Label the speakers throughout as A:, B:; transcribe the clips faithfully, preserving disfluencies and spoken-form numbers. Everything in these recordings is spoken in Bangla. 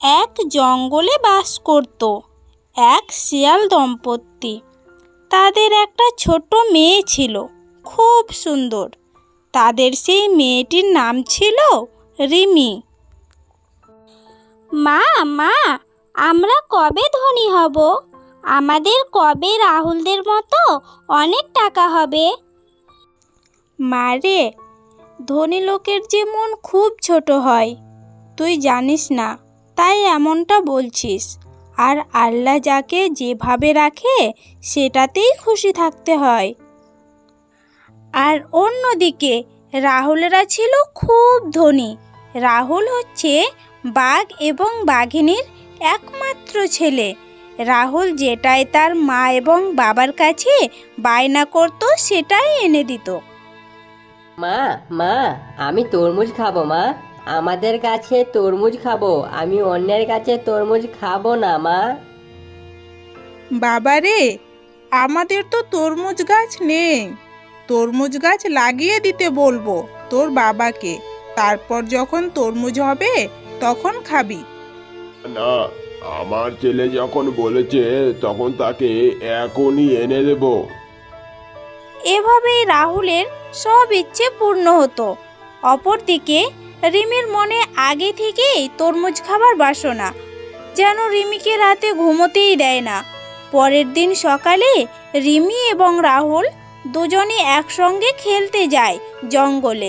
A: এক জঙ্গলে বাস করত এক শিয়াল দম্পতি। তাদের একটা ছোট মেয়ে ছিল, খুব সুন্দর। তাদের সেই মেয়েটির নাম ছিল রিমি। মা মা আমরা কবে ধনী হব? আমাদের কবে রাহুলদের মতো অনেক টাকা হবে? মারে, ধনী লোকের যে মন খুব ছোট হয়, তুই জানিস না, তাই এমনটা বলছিস। আর আল্লাহ যাকে যেভাবে রাখে সেটাতেই খুশি থাকতে হয়। আর অন্যদিকে রাহুলরা ছিল খুব ধনী। রাহুল হচ্ছে বাঘ এবং বাঘিনীর একমাত্র ছেলে। রাহুল যেটাই তার মা এবং বাবার কাছে বায়না করত সেটাই এনে দিত।
B: মা মা আমি তরমুজ খাবো। মা, আমাদের কাছে তরমুজ খাবো, আমি অন্যের কাছে তরমুজ খাবো না। মা,
C: বাবারে, আমাদের তো তরমুজ গাছ নেই। তরমুজ গাছ লাগিয়ে দিতে বলবো তোর বাবাকে, তারপর যখন তরমুজ হবে তখন খাবি।
D: না, আমার ছেলে যখন বলেছে তখন তাকে এখনই এনে দেব।
A: এভাবেই রাহুলের সব ইচ্ছে পূর্ণ হতো। অপরদিকে রিমির মনে আগে থেকেই তরমুজ খাবার বাসনা, যেন রিমিকে রাতে ঘুমোতেই দেয় না। পরের দিন সকালে রিমি এবং রাহুল দুজনে একসঙ্গে খেলতে যায় জঙ্গলে।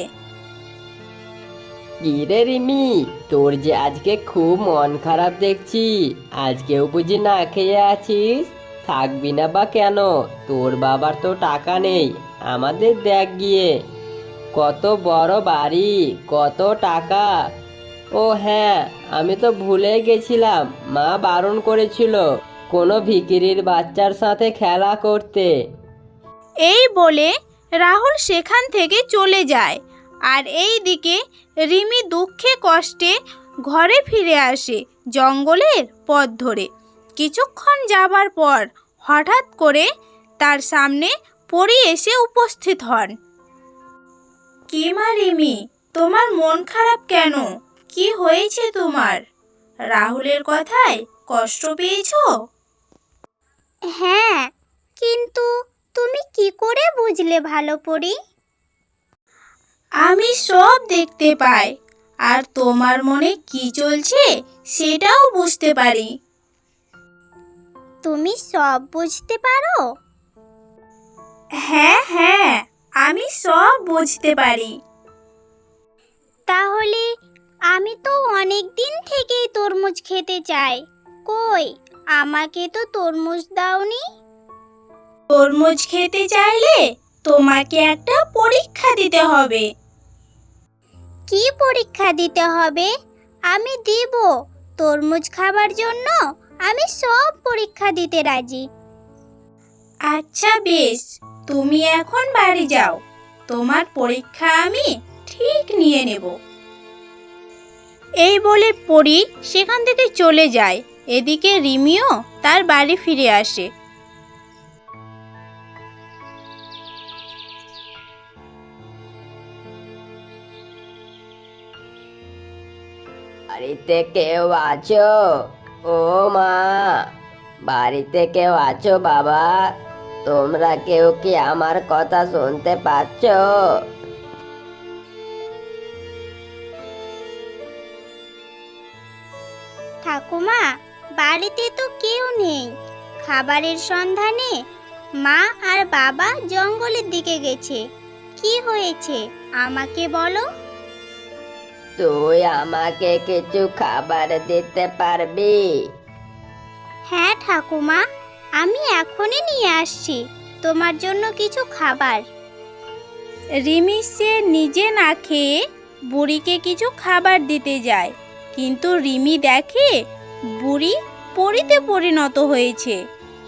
B: কি রে রিমি, তোর যে আজকে খুব মন খারাপ দেখছি। আজকেও বুঝি না খেয়ে আছিস? থাকবি না বা কেন? তোর বাবার তো টাকা নেই, আমাদের দেখ গিয়ে কত বড় বাড়ি, কত টাকা। ও হ্যাঁ, আমি তো ভুলে গেছিলাম, মা বারণ করেছিল কোনো ভিখিরির বাচ্চার সাথে খেলা করতে।
A: এই বলে রাহুল সেখান থেকে চলে যায়। আর এই দিকে রিমি দুঃখে কষ্টে ঘরে ফিরে আসে জঙ্গলের পথ ধরে। কিছুক্ষণ যাবার পর হঠাৎ করে তার সামনে পরী এসে উপস্থিত হন। কি মা রিমি, তোমার মন খারাপ কেন? কি হয়েছে তোমার? রাহুলের কথায় কষ্ট পেয়েছো? হ্যাঁ, কিন্তু তুমি কি করে বুঝলে ভালো পরী? আমি সব দেখতে পাই, আর তোমার মনে কি চলছে সেটাও বুঝতে পারি। তুমি সব বুঝতে পারো? হ্যাঁ হ্যাঁ, আমি সব বুঝতে পারি। তাহলে আমি তো অনেক দিন থেকেই তরমুজ খেতে চাই। কই, আমাকে তো তরমুজ দাওনি। তরমুজ খেতে চাইলে তোমাকে একটা পরীক্ষা দিতে হবে। কি পরীক্ষা দিতে হবে? আমি দিব। তরমুজ খাবার জন্য আমি সব পরীক্ষা দিতে রাজি। আচ্ছা বেশ, তুমি এখন বাড়ি যাও, তোমার পরীক্ষা আমি ঠিক নিয়ে নেব। এই বলে পরী সেখান থেকে চলে যায়। এদিকে রিমিও তার বাড়ি ফিরে আসে।
B: বাড়িতে কেউ আছো? ও মা, বাড়িতে কেউ আছো বাবা? তোমরা কেউ কি আমার কথা শুনতে পাচ্ছ?
A: ঠাকুমা, বাড়িতে তো কেউ নেই। খাবারের সন্ধানে মা আর বাবা জঙ্গলের দিকে গেছে। কি হয়েছে আমাকে বলো।
B: তুই আমাকে কিছু খাবার দিতে পারবি?
A: হ্যাঁ ঠাকুমা, আমি এখনই নিয়ে আসছি তোমার জন্য কিছু খাবার। রিমি সে নিজে না খেয়ে বুড়িকে কিছু খাবার দিতে যায়, কিন্তু রিমি দেখে বুড়ি পরীতে পরিণত হয়েছে।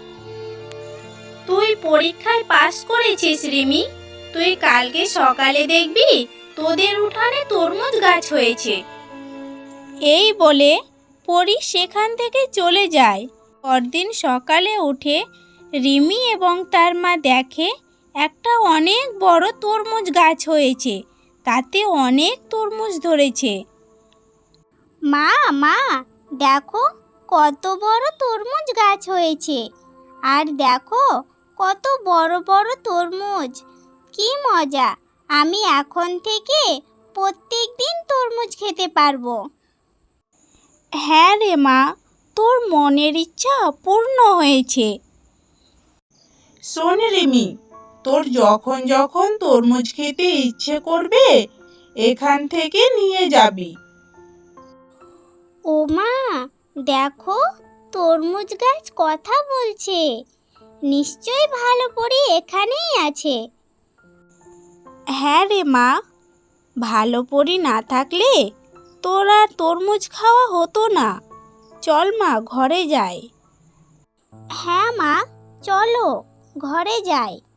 A: তুই পরীক্ষায় পাস করেছিস রিমি। তুই কালকে সকালে দেখবি তোদের উঠানে তরমুজ গাছ হয়েছে। এই বলে পরী সেখান থেকে চলে যায়। পরদিন সকালে উঠে রিমি এবং তার মা দেখে একটা অনেক বড় তরমুজ গাছ হয়েছে, তাতে অনেক তরমুজ ধরেছে। মা মা দেখো কত বড় তরমুজ গাছ হয়েছে, আর দেখো কত বড় বড় তরমুজ। কি মজা! আমি এখন থেকে প্রত্যেক দিন তরমুজ খেতে পারবো। হ্যাঁ রে মা, তোর মনের ইচ্ছা পূর্ণ হয়েছে।
C: শোন রিমি, তোর যখন যখন তরমুজ খেতে ইচ্ছে করবে এখান থেকে নিয়ে যাবি।
A: ও মা, দেখো তরমুজ গাছ কথা বলছে। নিশ্চয়ই ভালো পরি এখানেই আছে। হ্যাঁ রে মা, ভালো পরি না থাকলে তোর আর তরমুজ খাওয়া হতো না। চল মা, ঘরে যাই। হ্যাঁ মা, চলো ঘরে যাই।